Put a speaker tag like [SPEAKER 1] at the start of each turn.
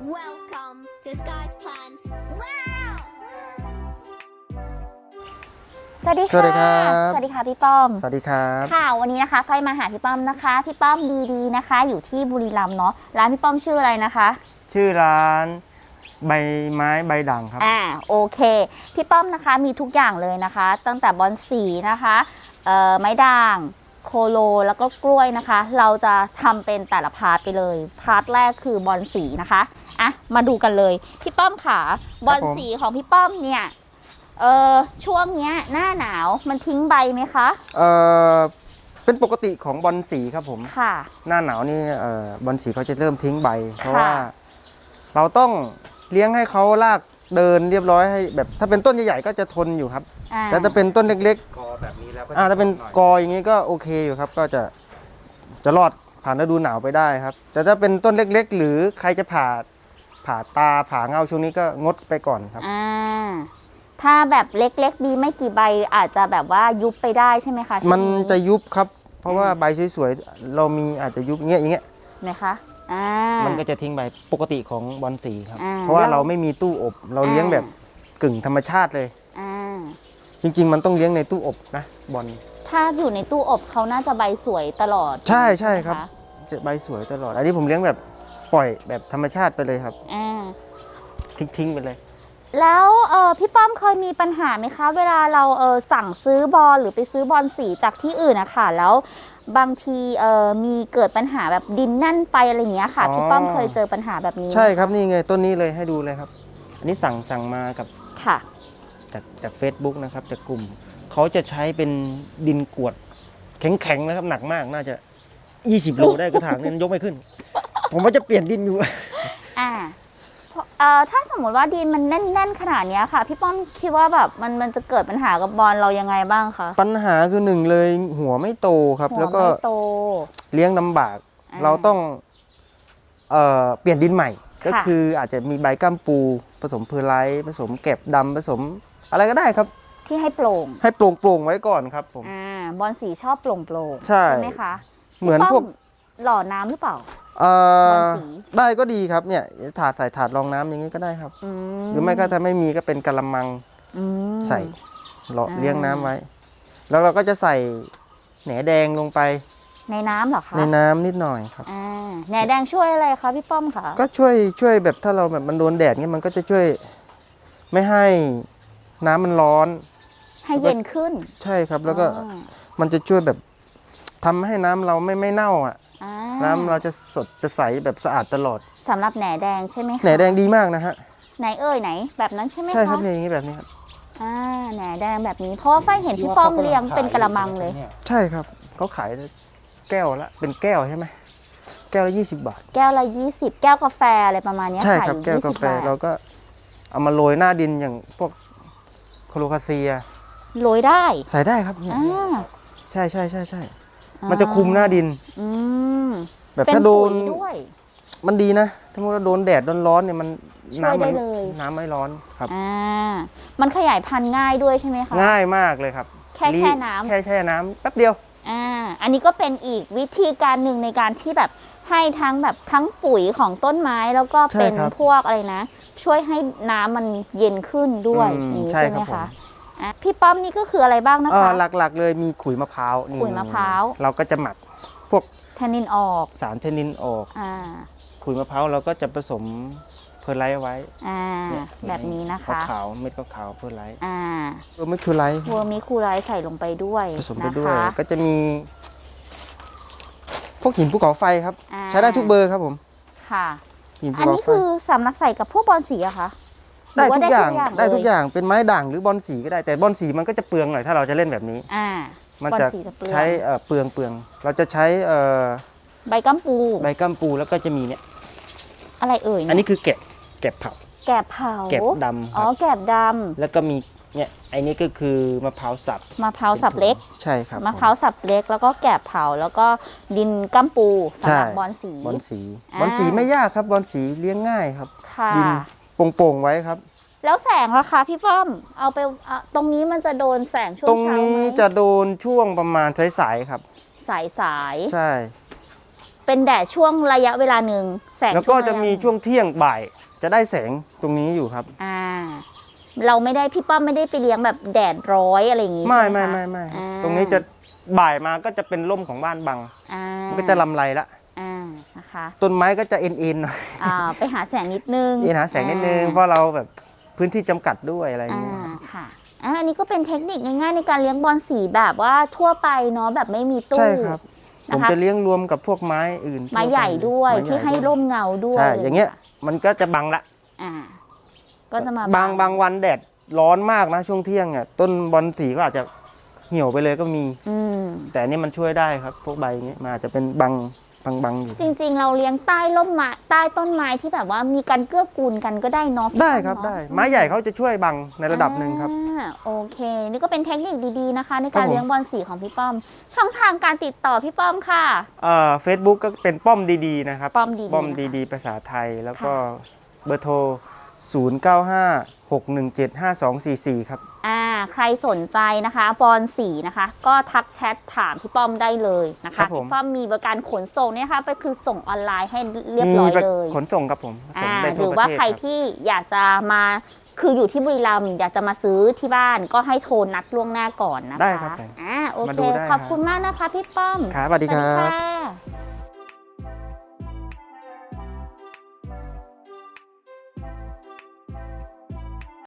[SPEAKER 1] Welcome to Sky's Plans. Wow!
[SPEAKER 2] สวัสดี
[SPEAKER 3] สวัสดีครั
[SPEAKER 2] ค่ะ
[SPEAKER 3] บ
[SPEAKER 2] สวัสดีค่ะพี่ป้อม
[SPEAKER 3] สวัสดีครับ
[SPEAKER 2] ค่ะวันนี้นะคะไฟมาหาพี่ป้อมนะคะพี่ป้อมดีๆนะคะ อยู่ที่บุรีรัมย์เนาะร้านพี่ป้อมชื่ออะไรนะคะ
[SPEAKER 3] ชื่อร้านใบไม้ใบด่างครับ
[SPEAKER 2] โอเคพี่ป้อมนะคะมีทุกอย่างเลยนะคะ ตั้งแต่บอนสีนะคะไม้ด่างโคโลแล้วก็กล้วยนะคะ เราจะทำเป็นแต่ละพาร์ทไปเลยพาร์ทแรกคือบอนสีนะคะมาดูกันเลยพี่ป้อมค่ะบอนสีของพี่ป้อมเนี่ยช่วงเนี้ยหน้าหนาวมันทิ้งใบไหมคะ
[SPEAKER 3] เป็นปกติของบอลสีครับผม
[SPEAKER 2] ค่ะ
[SPEAKER 3] หน้าหนาวนี่บอลสีเขาจะเริ่มทิ้งใบ เพราะว่าเราต้องเลี้ยงให้เขาลากเดินเรียบร้อยให้แบบถ้าเป็นต้นใหญ่ๆก็จะทนอยู่ครับแต่ถ้าเป็นต้นเล็ก
[SPEAKER 4] กอแบบนี้แล้วก็
[SPEAKER 3] ๆถ้าเป็นกออย่างนี้ก็โอเคอยู่ครับ ก็จะรอดผ่านฤดูหนาวไปได้ครับ แต่ถ้าเป็นต้นเล็กๆ หรือใครจะผ่าตาผ่าเงาช่วงนี้ก็งดไปก่อนครับ
[SPEAKER 2] ถ้าแบบเล็กๆดีไม่กี่ใบอาจจะแบบว่ายุบไปได้ใช่ไหมคะช่วง
[SPEAKER 3] มันจะยุบครับ เพราะว่าใบสวยๆเรามีอาจจะยุบอย่างเงี้ย
[SPEAKER 2] นะคะ
[SPEAKER 3] มันก็จะทิ้งใบปกติของบอลสีครับ
[SPEAKER 2] อ่า
[SPEAKER 3] เพราะว่าเราไม่มีตู้อบ เราเลี้ยงแบบกึ่งธรรมชาติเลย
[SPEAKER 2] อ่า
[SPEAKER 3] จริง ๆ มันต้องเลี้ยงในตู้อบนะบอล
[SPEAKER 2] ถ้าอยู่ในตู้อบเขาน่าจะใบสวยตลอด
[SPEAKER 3] ใช่ใช่
[SPEAKER 2] ไหมะ
[SPEAKER 3] ครับ จะใบสวยตลอด อันนี้ผมเลี้ยงแบบปล่อยแบบธรรมชาติไปเลยครับ
[SPEAKER 2] อ่า
[SPEAKER 3] ทิ้งไปเลย
[SPEAKER 2] แล้วพี่ป้อมเคยมีปัญหาไหมคะ เวลาเราสั่งซื้อบอลหรือไปซื้อบอลสีจากที่อื่นนะคะแล้วบางทีมีเกิดปัญหาแบบดินแน่นไปอะไรอย่างเงี้ยค่ะ
[SPEAKER 3] อ๋อ
[SPEAKER 2] พี่ป้อมเคยเจอปัญหาแบบนี้ไหม
[SPEAKER 3] ใช่ครับนี่ไงต้นนี้เลยให้ดูเลยครับ อันนี้สั่งมากับ
[SPEAKER 2] ค่ะ
[SPEAKER 3] จาก Facebook นะครับจากกลุ่มเขาจะใช้เป็นดินกรวดแข็งๆนะครับหนักมากน่าจะ20 โลได้กระถางนึงยกไม่ขึ้น ผมว่าจะเปลี่ยนดินอยู่
[SPEAKER 2] ถ้าสมมติว่าดินมันแน่นๆขนาดเนี้ยค่ะ พี่ป้อมคิดว่าแบบมันจะเกิดปัญหากับบอลเรายังไงบ้างคะ
[SPEAKER 3] ปัญหาคือหนึ่งเลยหัวไม่โตครับ
[SPEAKER 2] หัว
[SPEAKER 3] แล้วก็
[SPEAKER 2] ไม่โต
[SPEAKER 3] เลี้ยงลำบาก เราต้องเปลี่ยนดินใหม่ ก็
[SPEAKER 2] ค่ะ
[SPEAKER 3] คืออาจจะมีใบก้ามปูผสมเพอร์ไลท์ผสมแกบดำผสมอะไรก็ได้ครับ
[SPEAKER 2] ที่ให้โปร่ง
[SPEAKER 3] ให้โปร่งๆไว้ก่อนครับผม
[SPEAKER 2] บอลสีชอบโปร่งๆ
[SPEAKER 3] ใช่
[SPEAKER 2] ไหมคะ
[SPEAKER 3] เหมือน
[SPEAKER 2] พี่
[SPEAKER 3] พ
[SPEAKER 2] ป้
[SPEAKER 3] วก
[SPEAKER 2] หล่อน้ำหรือเปล่า
[SPEAKER 3] เอ่อบ
[SPEAKER 2] อลสี
[SPEAKER 3] ได้ก็ดีครับเนี่ยใส่ถาดรองน้ำอย่างนี้ก็ได้ครับ หรือไม่ก็ถ้าไม่มีก็เป็นกะละมัง
[SPEAKER 2] อืม
[SPEAKER 3] ใส่หล่อ
[SPEAKER 2] อ่า
[SPEAKER 3] เลี้ยงน้ำไว้ แล้วเราก็จะใส่แหนแดงลงไป
[SPEAKER 2] ในน้ำเหรอคะ
[SPEAKER 3] ในน้ำนิดหน่อยครับ
[SPEAKER 2] แหนแดงช่วยอะไรคะพี่ป้อมคะ
[SPEAKER 3] ก็ช่วยแบบถ้าเราแบบมันโดนแดดเงี้ยมันก็จะช่วยไม่ให้น้ำมันร้อน
[SPEAKER 2] ให้เย็นขึ้น
[SPEAKER 3] ใช่ครับ แล้วก็
[SPEAKER 2] อ๋อ
[SPEAKER 3] มันจะช่วยแบบทำให้น้ำเราไม่เน่าอ่ะ
[SPEAKER 2] อ่า
[SPEAKER 3] น้ำเราจะสดจะใสแบบสะอาดตลอด
[SPEAKER 2] สำหรับแหนแดงใช่ไหมคะ
[SPEAKER 3] แหนแดงดีมากนะฮะ
[SPEAKER 2] ไหนไหนแบบนั้นใช่ไหมคะ
[SPEAKER 3] ใช่ครับเนี่ยอย่างนี้แบบนี้ครับ
[SPEAKER 2] แหนแดงแบบนี้เพราะว่าไฟเห็นพี่ป้อมเลี้ยงเป็นกระมังเลย
[SPEAKER 3] ใช่ครับเขาขายแก้วละเป็นแก้วใช่ไหมแก้วละ20 บาท
[SPEAKER 2] แก้วละ20 แก้วกาแฟอะไรประมาณเนี้ย
[SPEAKER 3] ใช่
[SPEAKER 2] ขาย
[SPEAKER 3] ครับ
[SPEAKER 2] อยู่
[SPEAKER 3] แก้วกา
[SPEAKER 2] 20
[SPEAKER 3] แฟ
[SPEAKER 2] บาท
[SPEAKER 3] เราก็เอามาโรยหน้าดินอย่างพวกโคโลคาเซีย
[SPEAKER 2] โรยได้
[SPEAKER 3] ใส่ได้ครับเนี่ย
[SPEAKER 2] อ่า
[SPEAKER 3] ใช่มันจะคุมหน้าดิน
[SPEAKER 2] อืม
[SPEAKER 3] แบบ
[SPEAKER 2] เป็น
[SPEAKER 3] ถ้าโดน
[SPEAKER 2] ปุ๋ยด้วย
[SPEAKER 3] มันดีนะถ้าเราโดนแดดร้อนๆเนี่ยมัน
[SPEAKER 2] ช่วยได้
[SPEAKER 3] มั
[SPEAKER 2] เลย
[SPEAKER 3] น้ำไม่ร้อนครับ
[SPEAKER 2] มันขยายพันธุ์ง่ายด้วยใช่ไหมคะ
[SPEAKER 3] ง่ายมากเลยครับ
[SPEAKER 2] แค่แช่น้ำ
[SPEAKER 3] แค่แช่น้ำแป๊บเดียว
[SPEAKER 2] อันนี้ก็เป็นอีกวิธีการหนึ่งในการที่แบบให้ทั้งปุ๋ยของต้นไม้แล้วก็เป็น
[SPEAKER 3] ใช่ครับ
[SPEAKER 2] พวกอะไรนะ ช่วยให้น้ำมันเย็นขึ้นด้วย นี่
[SPEAKER 3] ใช่
[SPEAKER 2] ใช่ไหม
[SPEAKER 3] ครับ
[SPEAKER 2] คะพี่ป้อมนี่ก็คืออะไรบ้างนะคะ
[SPEAKER 3] หลักๆเลยมีขุยมะพร้าวนี่
[SPEAKER 2] ขุยมะพร้าว
[SPEAKER 3] เราก็จะหมักพวก
[SPEAKER 2] แทนนินออก
[SPEAKER 3] สารเทนนินออก
[SPEAKER 2] อ่า
[SPEAKER 3] ขุยมะพร้าวเราก็จะผสมเพอร์ไลท์ไว้ เนี่ย
[SPEAKER 2] แบบนี้นะคะ
[SPEAKER 3] ขาวๆเม็ดขาวๆเพอร์ไลท์
[SPEAKER 2] อ่า
[SPEAKER 3] ไม่คือไลท์
[SPEAKER 2] เวอร์มิคูไลท์ใส่ลงไปด้วย
[SPEAKER 3] ผสมไป
[SPEAKER 2] นะ
[SPEAKER 3] ด้วย
[SPEAKER 2] คะ
[SPEAKER 3] ก็จะมี พวกหินภูเขาไฟครับ
[SPEAKER 2] อ่า
[SPEAKER 3] ใช้ได้ทุกเบอร์ครับผม
[SPEAKER 2] ค่ะ
[SPEAKER 3] หินภู
[SPEAKER 2] อัน
[SPEAKER 3] เขา
[SPEAKER 2] นี้
[SPEAKER 3] ไฟ
[SPEAKER 2] คือสำหรับใส่กับพวกบอลสีอะคะ
[SPEAKER 3] ได้ทุกอย่าง
[SPEAKER 2] หรืว่
[SPEAKER 3] ได้ทุก
[SPEAKER 2] เล
[SPEAKER 3] อย่างเป็นไม้ด่างหรือบอลสีก็ได้แต่บอลสีมันก็จะเปลืองหน่อยถ้าเราจะเล่นแบบนี้ มัน
[SPEAKER 2] บอล
[SPEAKER 3] จะ
[SPEAKER 2] สีจะเปลือง
[SPEAKER 3] ใช้เปลืองเราจะใช้
[SPEAKER 2] ใบกัมปู
[SPEAKER 3] ใบกัมปูแล้วก็จะมีเนี่ย
[SPEAKER 2] อะไรเอ่ยเย
[SPEAKER 3] อันนี้คือแกบเผา
[SPEAKER 2] แกบเผา
[SPEAKER 3] แกบดำค
[SPEAKER 2] อ๋อ
[SPEAKER 3] รับ
[SPEAKER 2] แกบด
[SPEAKER 3] แล้วก็มีเนี่ยไอ้นี่ก็คือมะพร้าวสับ
[SPEAKER 2] ำมะพร้าวสับเล็ก
[SPEAKER 3] ใช่ครับ
[SPEAKER 2] มะพร้าวสับเล็ก แล้วก็แกบเผาแล้วก็ดินกัมปูสำหรับบอลสี
[SPEAKER 3] บอลสี
[SPEAKER 2] อ่า
[SPEAKER 3] บอลสีไม่ยากครับบอลสีเลี้ยงง่ายครับ
[SPEAKER 2] ค่ะ
[SPEAKER 3] ดินโป่งๆไว้ครับ
[SPEAKER 2] แล้วแสงล่ะคะพี่ป้อมเอาไปตรงนี้มันจะโดนแสงช่วง
[SPEAKER 3] ตรง
[SPEAKER 2] เช้า
[SPEAKER 3] นี้
[SPEAKER 2] ไหม
[SPEAKER 3] จะโดนช่วงประมาณสายๆครับ
[SPEAKER 2] สาย
[SPEAKER 3] ใช่
[SPEAKER 2] อเป็นแดดช่วงระยะเวลาหนึ่งแสง
[SPEAKER 3] แล้วก็
[SPEAKER 2] ช่
[SPEAKER 3] จะ
[SPEAKER 2] ระย
[SPEAKER 3] มีช่วงเที่ยงบ่ายจะได้แสงตรงนี้อยู่ครับ
[SPEAKER 2] เราไม่ได้พี่ป้อมไม่ได้ไปเลี้ยงแบบแดดร้อยอะไรอย่างงี้
[SPEAKER 3] ไม่
[SPEAKER 2] ใช่ไหม
[SPEAKER 3] ไม่
[SPEAKER 2] คะ
[SPEAKER 3] ไม่
[SPEAKER 2] อ่า
[SPEAKER 3] ตรงนี้จะบ่ายมาก็จะเป็นร่มของบ้านบัง มันก็จะลำไรละ
[SPEAKER 2] นะคะ
[SPEAKER 3] ต้นไม้ก็จะเอ็นหน่อย
[SPEAKER 2] ไปหาแสงนิดนึง
[SPEAKER 3] หาแสงนิดนึงเพราะเราแบบพื้นที่จำกัดด้วยอะไรอย่างเงี้ย
[SPEAKER 2] ค่ะอันนี้ก็เป็นเทคนิคง่ายๆในการเลี้ยงบอลสีแบบว่าทั่วไปเนาะแบบไม่มีตู้
[SPEAKER 3] ใช่ครับ ผม
[SPEAKER 2] นะคะ
[SPEAKER 3] จะเลี้ยงรวมกับพวกไม้อื่น
[SPEAKER 2] ไม้ใหญ่ด้วย
[SPEAKER 3] ไม้ญ่
[SPEAKER 2] ที่ให้ร่มเงาด้วย
[SPEAKER 3] ใช่อย่างเงี้ยมันก็จะบังละ
[SPEAKER 2] ก็จะมา
[SPEAKER 3] บางวันแดดร้อนมากนะช่วงเที่ยงอ่ะต้นบอลสีก็อาจจะเหี่ยวไปเลยก็มี แต่อันนี่มันช่วยได้ครับ พวกใบอย่างเงี้ยมันอาจจะเป็นบังอยู่
[SPEAKER 2] จริงๆเราเลี้ยงใต้ร่มไม้ใต้ต้นไม้ที่แบบว่ามีการเกื้อกูลกันก็ได้เนาะ
[SPEAKER 3] ได้ครับ
[SPEAKER 2] เนาะ
[SPEAKER 3] ได้ไม้ใหญ่เขาจะช่วยบังในระดับหนึ่งครับ
[SPEAKER 2] โอเค นี่ก็เป็นเทคนิคดีๆนะคะ ในการ
[SPEAKER 3] ครับผม
[SPEAKER 2] เลี้ยงบอลสีของพี่ป้อม ช่องทางการติดต่อพี่ป้อมค่ะ
[SPEAKER 3] Facebook ก็เป็นป้อมดีๆนะครับ
[SPEAKER 2] ป้อมดีๆ
[SPEAKER 3] ป้อม
[SPEAKER 2] นะคะ
[SPEAKER 3] ดีๆภาษาไทยแล้วก็
[SPEAKER 2] ค่ะ
[SPEAKER 3] เบอร์โทร 0956175244 ครับ
[SPEAKER 2] ใครสนใจนะคะบอลสีนะคะ ก็ทักแชทถามพี่ป้อมได้เลยนะ
[SPEAKER 3] ครั
[SPEAKER 2] คะ
[SPEAKER 3] บผม
[SPEAKER 2] พี่ป้อมมีบริการขนส่งเนี่ยค่ะไปคือส่งออนไลน์ให้เรียบ
[SPEAKER 3] มี
[SPEAKER 2] ร้อย
[SPEAKER 3] แบบ
[SPEAKER 2] เลย
[SPEAKER 3] ขนส่งครับผมส่งได้
[SPEAKER 2] ห
[SPEAKER 3] ทั่
[SPEAKER 2] รื
[SPEAKER 3] ว
[SPEAKER 2] อ
[SPEAKER 3] ประ
[SPEAKER 2] ว่า
[SPEAKER 3] เทศ
[SPEAKER 2] ใคร
[SPEAKER 3] ครับ
[SPEAKER 2] ที่อยากจะมาคืออยู่ที่บุรีรัมย์อยากจะมาซื้อที่บ้านก็ให้โทรนัดล่วงหน้าก่อนนะคะ
[SPEAKER 3] ได้ครับผม
[SPEAKER 2] โอ
[SPEAKER 3] มา
[SPEAKER 2] เค
[SPEAKER 3] ดูได้
[SPEAKER 2] ขอบคุณมากนะคะพี่ป้อม
[SPEAKER 3] ครับสวัสดีครับ
[SPEAKER 2] สวัสดีค่ะ